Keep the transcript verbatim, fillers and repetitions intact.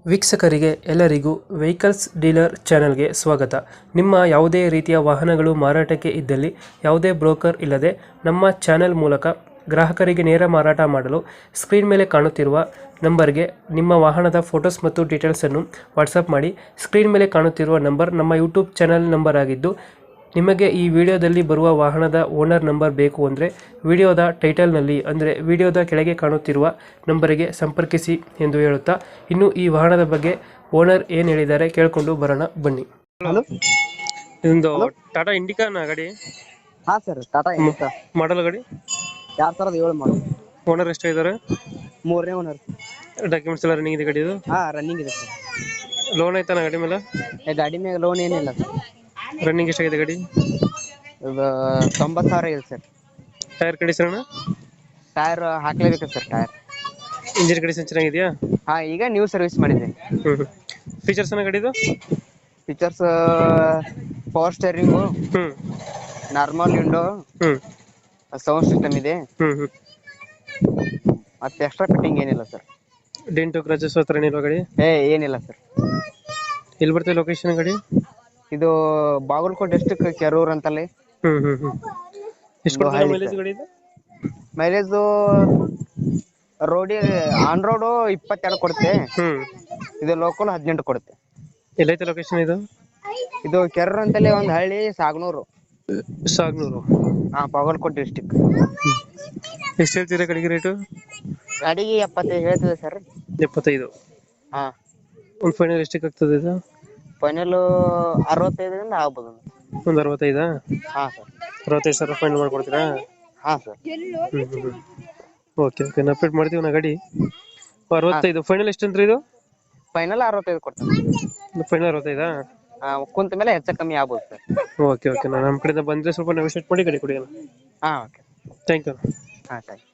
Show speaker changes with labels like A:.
A: ವೀಕ್ಷಕರಿಗೆ ಎಲ್ಲರಿಗೂ vehicles dealer ಚಾನೆಲ್ಗೆ ಸ್ವಾಗತ. ನಿಮ್ಮ ಯಾವುದೇ ರೀತಿಯ ವಾಹನಗಳು ಮಾರಾಟಕ್ಕೆ ಇದ್ದಲ್ಲಿ ಯಾವುದೇ ಬ್ರೋಕರ್ ಇಲ್ಲದೆ ನಮ್ಮ ಚಾನೆಲ್ ಮೂಲಕ ಗ್ರಾಹಕರಿಗೆ ನೇರ ಮಾರಾಟ ಮಾಡಲು ಸ್ಕ್ರೀನ್ ಮೇಲೆ ಕಾಣುತ್ತಿರುವ ನಂಬರ್ಗೆ ನಿಮ್ಮ ವಾಹನದ ಫೋಟೋಸ್ ಮತ್ತು ಡೀಟೇಲ್ಸನ್ನು ವಾಟ್ಸಪ್ ಮಾಡಿ. ಸ್ಕ್ರೀನ್ ಮೇಲೆ ಕಾಣುತ್ತಿರುವ ನಂಬರ್ ನಮ್ಮ ಯೂಟ್ಯೂಬ್ ಚಾನೆಲ್ ನಂಬರ್ ಆಗಿದ್ದು, ನಿಮಗೆ ಈ ವಿಡಿಯೋದಲ್ಲಿ ಬರುವ ವಾಹನದ ಓನರ್ ನಂಬರ್ ಬೇಕು ಅಂದರೆ ವಿಡಿಯೋದ ಟೈಟಲ್ನಲ್ಲಿ ಅಂದರೆ ವಿಡಿಯೋದ ಕೆಳಗೆ ಕಾಣುತ್ತಿರುವ ನಂಬರಿಗೆ ಸಂಪರ್ಕಿಸಿ ಎಂದು ಹೇಳುತ್ತಾ, ಇನ್ನು ಈ ವಾಹನದ ಬಗ್ಗೆ ಓನರ್ ಏನು ಹೇಳಿದ್ದಾರೆ ಕೇಳಿಕೊಂಡು ಬರೋಣ ಬನ್ನಿ.
B: ಹಲೋ
A: ಇದೊಂದು ಟಾಟಾ ಇಂಡಿಕಾನ ಗಾಡಿ,
B: ಹಾ ಸರ್, ಟಾಟಾ ಇಂಡಿಕಾ
A: ಮಾಡಲ್ ಗಾಡಿ,
B: ಎರಡ್ ಸಾವಿರದ ಏಳು ಮಾಡಲ್,
A: ಓನರ್ ಎಷ್ಟಾಗಿದ್ದಾರೆ?
B: ಮೂರನೇ ಓನರ್.
A: ಡಾಕ್ಯುಮೆಂಟ್ಸ್ ಎಲ್ಲ ರನ್ನಿಂಗ್ ಇದೆ ಗಾಡಿ? ಇದು
B: ಹಾ ರನ್ನಿಂಗ್ ಇದೆ ಸರ್.
A: ಲೋನ್ ಆಯ್ತಾನ ಗಾಡಿ ಮೇಲೆ?
B: ಏ, ಗಾಡಿ ಮೇಲೆ ಲೋನ್ ಏನಿಲ್ಲ ಸರ್.
A: ರನ್ನಿಂಗ್ ಎಷ್ಟಾಗಿದೆ ಗಾಡಿ?
B: ಇದು ತೊಂಬತ್ತು ಸಾವಿರ ಇದೆ ಸರ್.
A: Tyre condition?
B: ಟೈರ್ ಹಾಕ್ಲೇಬೇಕು ಸರ್. ಟೈರ್
A: ಇಂಜಿನ್ ಕಂಡೀಷನ್ ಚೆನ್ನಾಗಿದೆಯಾ?
B: ಹಾ, ಈಗ ನ್ಯೂ ಸರ್ವಿಸ್ ಮಾಡಿದ್ದೀನಿ.
A: ಹ್ಮ್ ಫೀಚರ್ಸ್ ಏನ ಗಾಡಿದು?
B: ಫೀಚರ್ಸ್ ಪವರ್ ಸ್ಟೇರಿಂಗು,
A: ಹ್ಮ್
B: ನಾರ್ಮಲ್ ವಿಂಡೋ,
A: ಹ್ಮ್
B: ಸೌಂಡ್ ಸಿಸ್ಟಮ್ ಇದೆ.
A: ಹ್ಮ್ ಹ್ಮ್
B: ಮತ್ತೆ ಎಕ್ಸ್ಟ್ರಾ ಫಿಟ್ಟಿಂಗ್ ಏನಿಲ್ಲ ಸರ್.
A: ಡೆಂಟು ಕ್ರಚಸ್ ಹತ್ರ ಏನಿಲ್ವಾ ಗಾಡಿ?
B: ಏ ಏನಿಲ್ಲ ಸರ್.
A: ಎಲ್ಲಿ ಬರ್ತದೆ ಲೊಕೇಶನ್ ಗಾಡಿ?
B: ಇದು ಬಾಗಲಕೋಟೆ ಡಿಸ್ಟ್ರಿಕ್ಟ್, ಕೆರೂರ್ ಅಂತಲ್ಲಿ.
A: ಹ್ಮ್ ಹ್ಮ್ ಹ್ಮ್ ಎಷ್ಟು ಕೊಡ್ತದೆ
B: ಹಳ್ಳಿ
A: ಮೈಲೇಜ್
B: ಸರ್.
A: ಗಾಡಿ ಇದು?
B: ಮೈಲೇಜು ರೋಡಿ ಆನ್ ರೋಡು ಇಪ್ಪತ್ತೆರಡು ಕೊಡುತ್ತೆ.
A: ಹ್ಮ್
B: ಇದು ಲೋಕಲ್ ಹದಿನೆಂಟು ಕೊಡುತ್ತೆ.
A: ಎಲ್ಲೈತೆ ಲೊಕೇಶನ್ ಇದು?
B: ಇದು ಕೆರೂರ್ ಅಂತಲ್ಲಿ ಒಂದು ಹಳ್ಳಿ, ಸಾಗನೂರು,
A: ಸಾಗ್ನೂರು.
B: ಹಾ, ಬಾಗಲಕೋಟೆ ಡಿಸ್ಟಿಕ್.
A: ಎಷ್ಟು ಹೇಳ್ತೀರಾ ಗಾಡಿಗೆ ರೇಟು?
B: ಗಾಡಿಗೆ ಎಪ್ಪತ್ತೈದು ಹೇಳ್ತದೆ ಸರ್.
A: ಎಪ್ಪತ್ತೈದು?
B: ಹಾ,
A: ಒಂದು ಫೈನಲ್ ಎಷ್ಟಕ್ಕೆ ಆಗ್ತದೆ ಇದು?
B: ಫೈನಲ್ ಅರವತ್ತೈದರಿಂದ ಆಗ್ಬೋದು.
A: ಒಂದು ಅರವತ್ತೈದಾ?
B: ಹಾ ಸರ್.
A: ಅರವತ್ತೈದು ಸಾವಿರ ಫೈನಲ್ ಮಾಡ್ಕೊಡ್ತೀರಾ?
B: ಹಾ ಸರ್.
A: ಹ್ಮ್ ಹ್ಮ್ ಓಕೆ ಓಕೆ ನಾ ಅಪ್ಡೇಟ್ ಮಾಡ್ತೀವಿ ನಾ ಗಾಡಿ. ಅರವತ್ತೈದು ಫೈನಲ್ ಎಷ್ಟು ಅಂದ್ರೆ ಇದು?
B: ಫೈನಲ್ ಅರವತ್ತೈದು ಕೊಡ್ತೇನೆ.
A: ಫೈನಲ್ ಅರವತ್ತೈದಾ?
B: ಹಾ, ಕುಂತ ಮೇಲೆ ಹೆಚ್ಚು ಕಮ್ಮಿ ಆಗ್ಬೋದು ಸರ್.
A: ಓಕೆ ಓಕೆ ನಾನು ನಮ್ಮ ಕಡೆಯಿಂದ ಬಂದರೆ ಸ್ವಲ್ಪ ನೆಗೋಷಿಯೇಟ್ ಮಾಡಿ ಗಾಡಿ ಕೊಡಿ.
B: ಹಾ ಓಕೆ.
A: Thank you.
B: ಹಾ ಥ್ಯಾಂಕ್ ಯು.